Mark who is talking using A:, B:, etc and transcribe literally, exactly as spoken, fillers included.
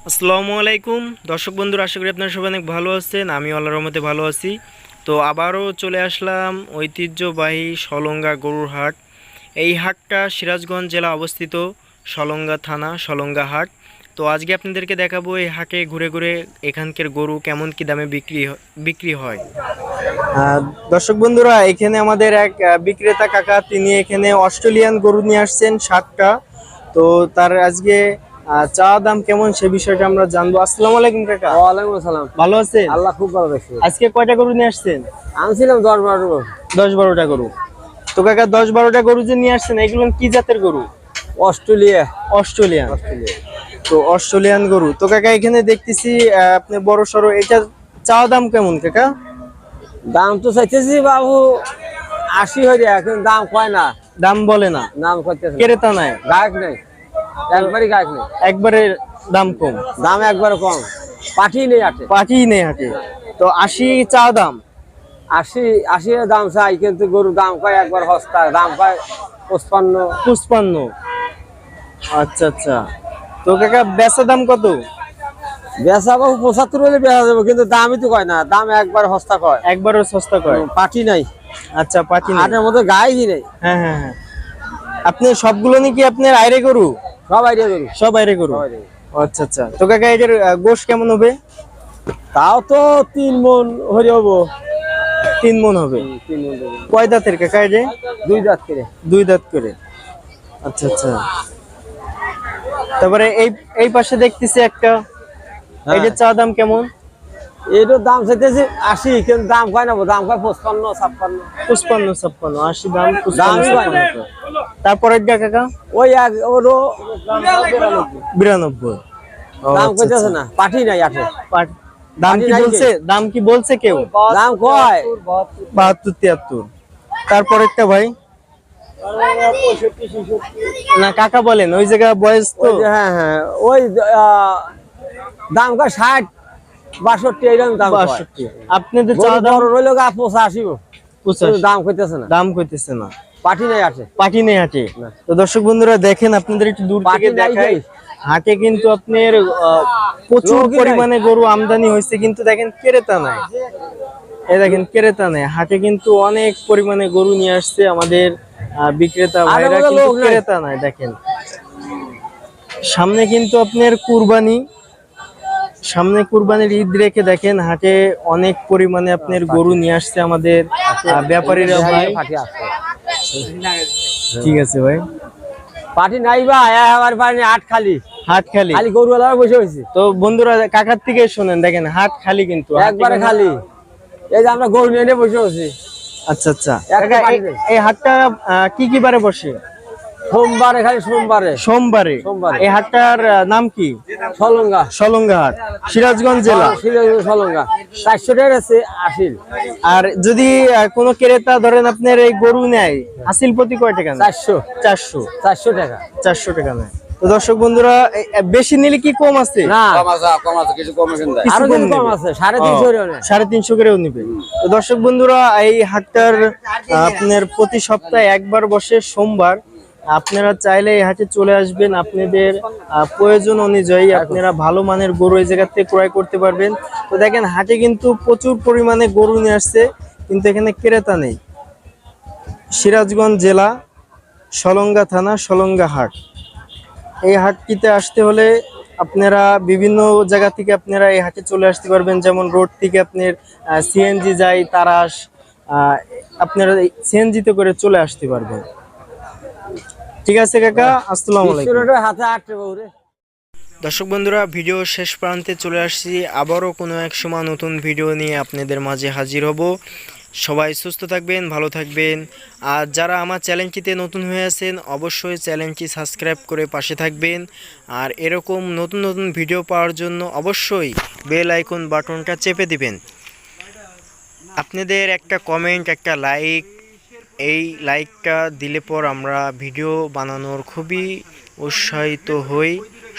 A: আসসালামু আলাইকুম দর্শক বন্ধুরা, আশা করি আপনারা সবাই অনেক ভালো আছেন। আমি আল্লাহর রহমতে ভালো আছি। তো আবারও চলে আসলাম ঐতিহ্যবাহী সলঙ্গা গরুর হাট। এই হাটটা সিরাজগঞ্জ জেলা অবস্থিত, সলঙ্গা থানা, সলঙ্গা হাট। তো আজকে আপনাদেরকে দেখাবো এই হাটে ঘুরে ঘুরে এখানকার গরু কেমন কি দামে বিক্রি হ- বিক্রি হয়। আহ, দর্শক বন্ধুরা, এখানে আমাদের এক আহ, বিক্রেতা কাকা, তিনি এখানে অস্ট্রেলিয়ান গরু নিয়ে আসছেন সাতটা। তো তার আজকে আহ, চা দাম কেমন সে বিষয়টা আমরা জানবো। আসসালামু আলাইকুম কাকা।
B: ওয়ালাইকুম আসসালাম।
A: ভালো আছেন?
B: আল্লাহ খুব ভালো রাখছে।
A: আজকে কয়টা গরু নিয়ে আসছেন?
B: আনছিলাম দশ বারো গরু।
A: দশ বারোটা গরু। তো কাকা, দশ বারোটা গরু যে নিয়ে আসছেন, এগুলো কি জাতের গরু?
B: অস্ট্রেলিয়া।
A: অস্ট্রেলিয়ান।
B: অস্ট্রেলিয়া।
A: তো অস্ট্রেলিয়ান গরু। তো কাকা, এখানে দেখতেছি আহ, আপনি বড় সড়ো, এটা চা দাম কেমন কাকা?
B: দাম তো চাইতেছি বাবু আশি হয়ে এখন দাম কয় না।
A: দাম বলে না,
B: দাম করতেছে
A: ক্রেতা নাই,
B: গায়ক নেই, একবারই গায়ক নেই।
A: একবারে দাম কম,
B: দাম একবারে কম, পাঠি নেই আটে,
A: পাটি নেই হাটে। তো আশি চা দাম।
B: আশি আশি এর দাম চাই, কিন্তু গরুর দাম কয় একবার সস্তা, দাম কয় পঁচপান্ন।
A: পুষ্পান্ন। আচ্ছা আচ্ছা। তো কাকা, বেচা দাম কত?
B: বেচা বাবু পঁচাত্তর হলে বেচা যাবো, কিন্তু দামই তো কয় না, দাম একবার সস্তা কয়,
A: একবারও সস্তা কয়।
B: পাঠি নাই।
A: আচ্ছা, পাটি নেই।
B: আটের মধ্যে গায়ই নেই।
A: হ্যাঁ হ্যাঁ হ্যাঁ। আপনি সবগুলো নাকি আপনার আইরে গরু?
B: সব আইডিয়া গরু।
A: সব আইরে গরু।
B: সব idea গরু।
A: ও আচ্ছা আচ্ছা। তো কাকা, এটার আহ, গোশ কেমন হবে?
B: তাও তো তিন মন হরে হবো।
A: তিন মন হবে।
B: তিন মন দেবো।
A: কয় দাঁতের কাকা এটা?
B: দুই দাঁত করে।
A: দুই দাঁত করে। আচ্ছা আচ্ছা। তারপরে এই এই পাশে দেখতেছি একটা,
B: হ্যাঁ।
A: এইটার চা দাম কেমন?
B: এটার দাম চাইতেছি আশি, কিন্তু দাম কয় না, দাম কয় পঁচপান্ন ছাপ্পান্ন।
A: পুষ্পান্ন ছাপ্পান্ন আশি দাম, পুষ্পান্ন
B: দামই কয় না।
A: ছাপ্পান্ন। তারপরে কাকা
B: ওই এক ওরও
A: বিরানব্বই। ও
B: দাম
A: আচ্ছা
B: কইতেছে
A: আচ্ছা।
B: না, পাঠি নাই আঠে।
A: পাট- দাম কি
B: পাটি নাই
A: বলছে? দাম কি বলছে কেউ?
B: দাম কয়
A: বাহাত্তর তিয়াত্তর। তারপরেরটা ভাই, না কাকা বলেন, ওই জায়গা বয়স তো।
B: ওই যে হ্যাঁ হ্যাঁ ওই আহ, দাম কয় ষাট বাষট্টি এইরকম দাম কয়।
A: বাষট্টি। আপনাদের চা
B: গরু
A: দাম
B: বড় রইল গা পঁচা আসিব,
A: পঁচাশি।
B: দাম কইতেছে না,
A: দাম কইতেছে না,
B: পাঠি নাই আঠে।
A: পাটি নেই হাটে।
B: না।
A: তো দর্শক বন্ধুরা দেখেন, আপনাদের একটু দূর
B: পাটি
A: থেকে
B: নাই
A: দেখাই,
B: ভাই।
A: হাটে কিন্তু আপনার আহ, প্রচুর
B: লোকই নাই।
A: পরিমাণে গরু আমদানি হয়েছে, কিন্তু দেখেন ক্রেতা নাই। এই দেখেন ক্রেতা নাই, হাটে কিন্তু অনেক পরিমাণে গরু নিয়ে আসছে আমাদের আহ, বিক্রেতা ভাইরা,
B: মধ্যে
A: কিন্তু
B: লোক নাই।
A: ক্রেতা নাই। দেখেন সামনে কিন্তু আপনার কুরবানি, সামনে কুরবানির ঈদ রেখে দেখেন হাটে অনেক পরিমাণে আপনার গরু নিয়ে আসছে আমাদের আহ, ব্যাপারীরা ভাই।
B: পাঠি আসছে।
A: ঠিক আছে ভাই।
B: পার্টি নাই বা আমার পার্টি আট খালি,
A: হাট খালি।
B: খালি গরুওয়ালা বসে হয়েছে
A: তো বন্ধুরা, কাকার থেকে শুনেন, দেখেন হাট খালি, কিন্তু হাটে
B: একবারে
A: কোনো-
B: খালি। এই যে আমরা গরু নিয়ে নিয়ে বসে আছি।
A: আচ্ছা আচ্ছা।
B: একটা
A: কাকা,
B: পাটি
A: এই-
B: নেই।
A: এই হাটটা আহ, কি কি বারে বসে?
B: সোমবারে, খালি সোমবারে।
A: সোমবারে।
B: সোমবারে।
A: এই হাটটার আহ, নাম কি?
B: সলঙ্গা।
A: সলঙ্গা হাট, সিরাজগঞ্জ জেলা।
B: সিরাজগঞ্জ সলঙ্গা। চারশো টাকা আছে আসিল।
A: আর যদি আহ, কোনো ক্রেতা ধরেন আপনার এই গরু নেয়, হাসিল প্রতি কয় টাকা নেয়?
B: চারশো
A: চারশো।
B: চারশো টাকা।
A: চারশো টাকা নেয়। তো দর্শক বন্ধুরা, এই- এই বেশি নিলে কি কম আছে?
B: না
A: কিছু
B: আরো
A: কম
B: কিছু কম
A: নেবে?
B: আছে, সাড়ে
A: ও,
B: তিনশো টাকা নেয়।
A: সাড়ে তিনশো করেও নিবে। তো দর্শক বন্ধুরা, এই হাটটার আহ, আপনার প্রতি সপ্তাহে একবার বসে সোমবার। আপনারা চাইলে এই হাটে চলে আসবেন, আপনাদের আহ, প্রয়োজন অনুযায়ী আপনারা ভালো মানের গরু এই জায়গা থেকে ক্রয় করতে পারবেন। তো দেখেন হাটে কিন্তু প্রচুর পরিমাণে গরু নিয়ে আসছে, কিন্তু এখানে ক্রেতা নেই। সিরাজগঞ্জ জেলা, সলঙ্গা থানা, সলঙ্গা হাট। এই হাটটিতে আসতে হলে আপনারা বিভিন্ন জায়গা থেকে আপনারা এই হাটে চলে আসতে পারবেন। যেমন রোড থেকে আপনার সিএনজি যায় তারাস, আহ, আপনারা সিএনজিতে করে চলে আসতে পারবেন। ঠিক আছে কাকা, আসসালামু আলাইকুম।
B: বিশ টাকা হাতে আট টাকা করে।
A: দর্শক বন্ধুরা, ভিডিও শেষ প্রান্তে চলে আসছি। আবারও কোনো এক সময় নতুন ভিডিও নিয়ে আপনাদের মাঝে হাজির হব। সবাই সুস্থ থাকবেন, ভালো থাকবেন। আর যারা আমার চ্যানেলটিতে নতুন হয়ে আছেন, অবশ্যই চ্যানেলটি সাবস্ক্রাইব করে পাশে থাকবেন। আর এরকম নতুন নতুন ভিডিও পাওয়ার জন্য অবশ্যই বেল আইকন বাটনটা চেপে দিবেন। আপনাদের একটা কমেন্ট, একটা লাইক, এই লাইকটা দিলে পর আমরা ভিডিও বানানোর খুবই উৎসাহিত হই।